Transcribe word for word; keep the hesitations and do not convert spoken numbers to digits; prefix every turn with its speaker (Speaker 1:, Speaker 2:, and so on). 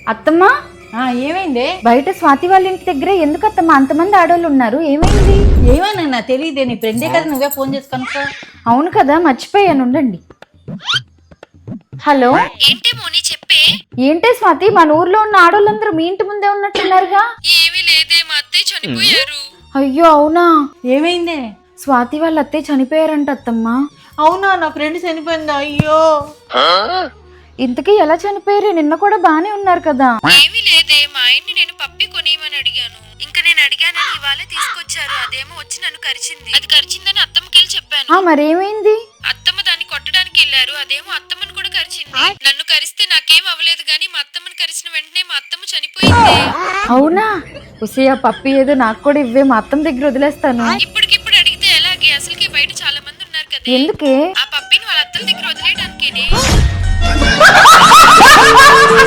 Speaker 1: అత్తమ్మా,
Speaker 2: ఆ ఏమైంది?
Speaker 1: బయట స్వాతి వాళ్ళ ఇంటి దగ్గర ఎందుకు అత్తమ్మా అంతమంది ఆడవాళ్ళు ఉన్నారు? ఏమైంది?
Speaker 2: ఏమైనా తెలియదే, నీ ఫ్రెండే కదా, నువ్వే ఫోన్ చేసి కనుక్కో.
Speaker 1: అవును కదా, మర్చిపోయాను, ఉండండి. హలో,
Speaker 3: ఏంటి మోని చెప్పే?
Speaker 1: ఏంటే స్వాతి, మన ఊర్లో ఉన్న ఆడవాళ్ళందరూ మీ ఇంటి ముందే ఉన్నట్టున్నారుగా?
Speaker 3: ఏమీ లేదే, మా అత్తయ్య చనిపోయారు.
Speaker 1: అయ్యో అవునా?
Speaker 2: ఏమైంది?
Speaker 1: స్వాతి వాళ్ళ అత్తయ్య చనిపోయారంట అత్తమ్మా.
Speaker 2: అవునా, నా ఫ్రెండ్ చనిపోయిందా? అయ్యో.
Speaker 1: ఇంతకీ ఎలా చనిపోయారు? నిన్న కూడా బానే ఉన్నారు కదా.
Speaker 3: ఏమీ లేదే, మా ఆయన్ని నేను పప్పి కొనియమని అడిగాను. ఇంకా నేను అడిగానని ఇవాళే తీసుకొచ్చారు. అదేమో వచ్చి నన్ను కరిచింది. అది కరిచిందని అత్తమ్మకెళ్ళి చెప్పాను.
Speaker 1: ఆ మరేమైంది?
Speaker 3: అత్తమ్మ దాన్ని కొట్టడానికి వెళ్ళారు. అదేమో అత్తమ్మని కూడా కరిచింది. నన్ను కరిస్తే నాకేం అవ్వలేదు గానీ మా అత్తమ్మని కరిచిన వెంటనే మా అత్తమ్మ చనిపోయింది.
Speaker 1: అవునా? ఉసి, ఆ పప్పి ఏదో నాకు కూడా ఇవ్వే, మా అత్తమ్మ దగ్గర వదిలేస్తాను.
Speaker 3: ఇప్పటికిప్పుడు అడిగితే ఎలాగే? అసలుకి బయట చాలా మంది ఉన్నారు కదా.
Speaker 1: ఎందుకే?
Speaker 3: ఆ పప్పిని వాళ్ళ అత్తల దగ్గర వదిలేయడానికేనే.